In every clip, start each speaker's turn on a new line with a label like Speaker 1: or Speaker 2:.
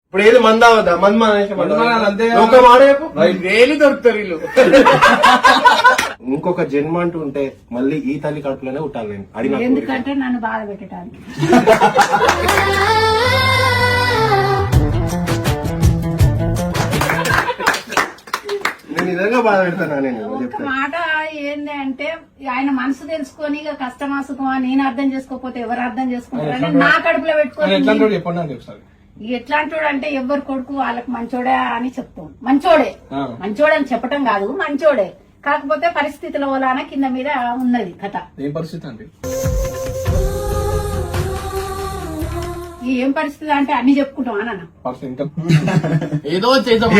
Speaker 1: ఇప్పుడు ఏది మంద అవద్దా
Speaker 2: వేలు దొరుకుతారు వీళ్ళు.
Speaker 1: ఇంకొక జన్మ అంటూ ఉంటే మళ్ళీ ఈ తల్లి కడుపులోనే ఉంటాను నేను అడిగిన
Speaker 3: ఎందుకంటే నన్ను బాధ పెట్టడానికి.
Speaker 1: నేను నిజంగా బాధ పెడతానా నేను
Speaker 3: ఒక మాట ఏంది అంటే ఆయన మనసు తెలుసుకొని ఇక కష్టమా సుఖమా నేను అర్థం చేసుకోకపోతే ఎవరు అర్థం చేసుకుంటారంటే నా కడుపులో పెట్టుకొని ఎట్లాంటి అంటే ఎవరు కొడుకు వాళ్ళకి మంచోడే అని చెప్తాం. మంచోడే మంచోడని చెప్పటం కాదు, మంచోడే. కాకపోతే పరిస్థితుల వలన కింద మీద ఉన్నది కథ.
Speaker 4: ఏం పరిస్థితి అండి?
Speaker 3: ఏం పరిస్థితి అంటే అన్ని చెప్పుకుంటాం అన్న.
Speaker 2: ఏదో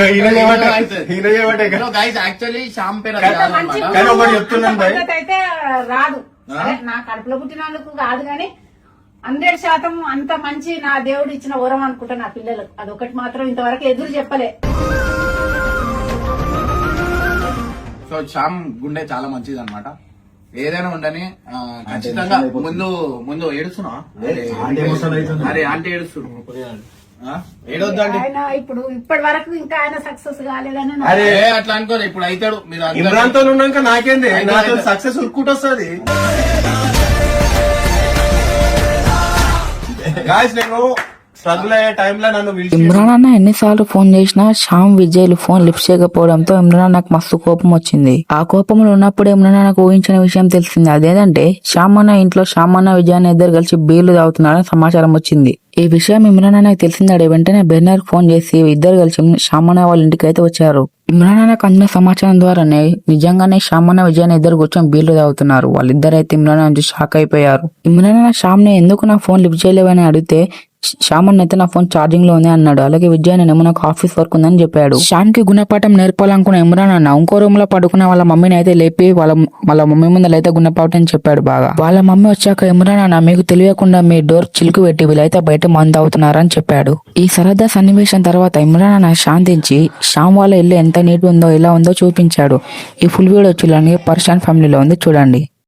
Speaker 2: యాక్చువల్లీ శ్యామ్ పేరు
Speaker 3: పద్ధతి అయితే రాదు. సరే, నా కడుపులో పుట్టినందుకు కాదు గాని 100% అంత మంచి నా దేవుడు ఇచ్చిన వరం అనుకుంటా నా పిల్లలకు. అదొకటి మాత్రం ఇంతవరకు ఎదురు చెప్పలే.
Speaker 2: సో శ్యామ్ గుండె చాలా మంచిది అనమాట. ఏదైనా ఉండని ఖచ్చితంగా ముందు ఏడుస్తున్నా. అరే ఆంటీ ఏడుస్తుడు
Speaker 3: ఆయన ఇప్పుడు ఇప్పటి వరకు ఇంకా ఆయన సక్సెస్ కాలేదని
Speaker 2: అరే అట్లా అనుకోలే. ఇప్పుడు అవుతాడు. మీరు
Speaker 1: ఇమ్రాన్ తో ఉన్నాక నాకేంది నాతో సక్సెస్ ఉరుక్కుంటూ వస్తుంది. నేను స్ట్రగుల్ అయ్యే టైంలో నన్ను
Speaker 5: ఇమ్రాన్ అన్న ఎన్నిసార్లు ఫోన్ చేసినా శ్యామ్ విజయ్లు ఫోన్ లిఫ్ట్ చేయకపోవడంతో ఇమ్రాన్ అన్నకు మస్తు కోపం వచ్చింది. ఆ కోపంలో ఉన్నప్పుడు ఇమ్రాన్ అన్నకు ఊహించిన విషయం తెలిసింది. అదేంటంటే శ్యామ్ అన్న ఇంట్లో శ్యామ్ అన్న విజయాన్ని ఇద్దరు కలిసి బీర్లు తాగుతున్నారని సమాచారం వచ్చింది. ఈ విషయం ఇమ్రాన్ అన్నకు తెలిసిందాడే వెంటనే బెర్నర్ ఫోన్ చేసి ఇద్దరు కలిసి శ్యామ్ అన్న వాళ్ళ ఇంటికి అయితే వచ్చారు. ఇమ్రాన్ అన్నకు అందిన సమాచారం ద్వారానే నిజంగానే శ్యామ్ అన్న విజయాన్ని ఇద్దరు కూర్చొని బీర్లు తాగుతున్నారు. వాళ్ళిద్దరైతే ఇమ్రాన్ అన్న షాక్ అయిపోయారు. ఇమ్రాన్ అన్న శ్యామ్ ని ఎందుకు నా ఫోన్ లిఫ్ట్ చేయలేవని అడిగితే శ్యామ్ అన్న అయితే నా ఫోన్ ఛార్జింగ్ లో ఉంది అన్నాడు. అలాగే విజయ్ నేనేమో నాకు ఆఫీస్ వర్క్ ఉందని చెప్పాడు. శ్యామ్ కి గుణపాఠం నేర్పాలనుకున్న ఇమ్రాన్ అన్న ఇంకో రూమ్ లో పడుకున్న వాళ్ళ మమ్మీని అయితే లేపి వాళ్ళ మమ్మీ ముందర అయితే గుణపాఠం చెప్పాడు బాగా. వాళ్ళ మమ్మీ వచ్చాక ఇమ్రాన్ అన్న మీకు తెలియకుండా మీ డోర్ చిలుకు పెట్టి వీళ్ళైతే బయట మందు అవుతున్నారని చెప్పాడు. ఈ సరదా సన్నివేశం తర్వాత ఇమ్రాన్ అన్న శాంతించి శ్యామ్ వాళ్ళ ఇల్లు ఎంత నీట్ ఉందో ఎలా ఉందో చూపించాడు. ఈ ఫుల్ వీడియో చూడండి. పర్షాన్ ఫ్యామిలీలో ఉంది, చూడండి.